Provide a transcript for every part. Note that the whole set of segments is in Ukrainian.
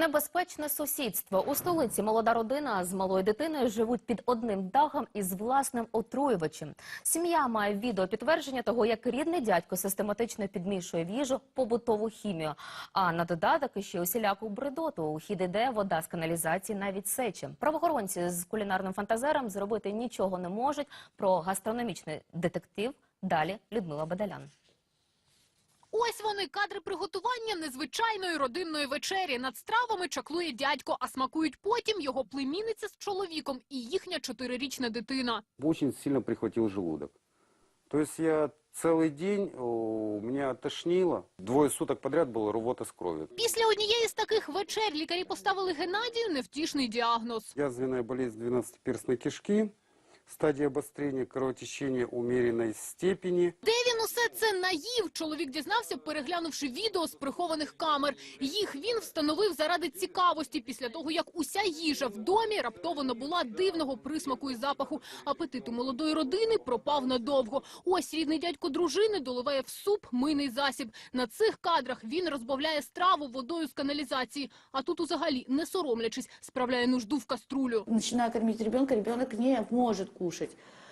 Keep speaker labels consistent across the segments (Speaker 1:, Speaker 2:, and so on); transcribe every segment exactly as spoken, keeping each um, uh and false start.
Speaker 1: Небезпечне сусідство. У столиці молода родина з малою дитиною живуть під одним дахом із власним отруювачем. Сім'я має відеопідтвердження того, як рідний дядько систематично підмішує в їжу побутову хімію. А на додаток іще усіляку бредоту. У хід іде вода з каналізації, навіть сечі. Правоохоронці з кулінарним фантазером зробити нічого не можуть. Про гастрономічний детектив далі Людмила Бадалян.
Speaker 2: Ось вони, кадри приготування незвичайної родинної вечері. Над стравами чаклує дядько, а смакують потім його племінниця з чоловіком і їхня чотирирічна дитина.
Speaker 3: Очень сильно прихватил желудок. То есть я целый день, у меня тошнило. Двое суток подряд было рвота с кровью.
Speaker 2: Після однієї з таких вечер лікарі поставили Геннадію невтішний діагноз.
Speaker 3: Язвенная болезнь двенадцатиперстной кишки. Стадія обострення кровотечення умеренной степені.
Speaker 2: Де він усе це наїв? Чоловік дізнався, переглянувши відео з прихованих камер. Їх він встановив заради цікавості, після того, як уся їжа в домі раптово набула дивного присмаку і запаху. Апетит у молодої родини пропав надовго. Ось рідний дядько дружини доливає в суп мийний засіб. На цих кадрах він розбавляє страву водою з каналізації. А тут взагалі, не соромлячись, справляє нужду в каструлю.
Speaker 4: Начинаю кормить ребенка, ребенок не может кушать.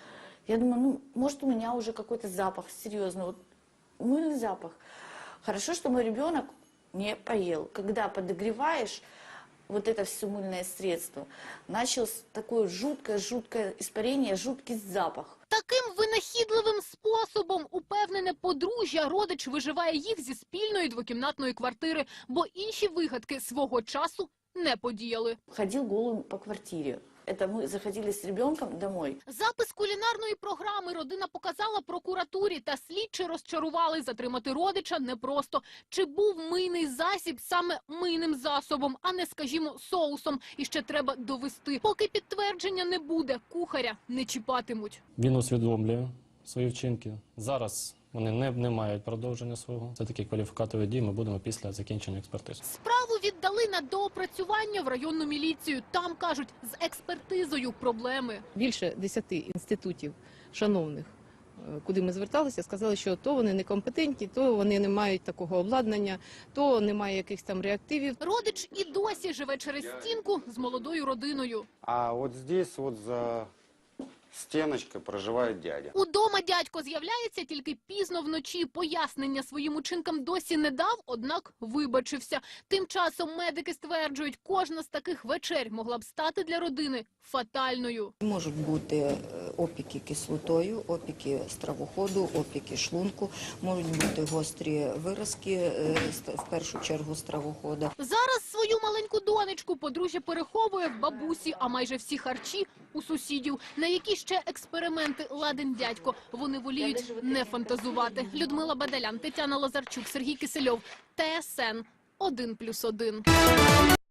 Speaker 4: Я думаю, ну, может, у меня уже какой-то запах, серьезно, вот мыльный запах. Хорошо, что мой ребенок не поел. Когда подогреваешь вот это все мыльное средство, началось такое жуткое-жуткое испарение, жуткий запах.
Speaker 2: Таким винахідливим способом, упевнене подружжя, родич виживає їх зі спільної двокімнатної квартири, бо інші вигадки свого часу не подіяли.
Speaker 4: Ходил голым по квартире. Это мы заходили с ребенком домой.
Speaker 2: Запис кулінарної програми родина показала прокуратурі, та слідчі розчарували. Затримати родича непросто. Чи був мийний засіб саме мийним засобом, а не, скажімо, соусом? І ще треба довести. Поки підтвердження не буде, кухаря не чіпатимуть.
Speaker 5: Він усвідомлює свої вчинки. Зараз вони не, не мають продовження свого. Це такі кваліфікатові дії ми будемо після закінчення експертизи.
Speaker 2: Справу віддали на доопрацювання в районну міліцію. Там, кажуть, з експертизою проблеми.
Speaker 6: Більше десяти інститутів шановних, куди ми зверталися, сказали, що то вони некомпетентні, то вони не мають такого обладнання, то немає якихось там реактивів.
Speaker 2: Родич і досі живе через стінку з молодою родиною.
Speaker 3: А от здесь, от за стіночкою проживає дядя.
Speaker 2: Удома дядько з'являється тільки пізно вночі. Пояснення своїм учинкам досі не дав, однак вибачився. Тим часом медики стверджують, кожна з таких вечер могла б стати для родини фатальною.
Speaker 7: Можуть бути опіки кислотою, опіки стравоходу, опіки шлунку, можуть бути гострі виразки, в першу чергу стравохода.
Speaker 2: Зараз свою маленьку донечку подружжя переховує в бабусі, а майже всі харчі у сусідів. На які ще експерименти ладен дядько, вони воліють не фантазувати. Людмила Бадалян, Тетяна Лазарчук, Сергій Кисельов, Т С Н один плюс один.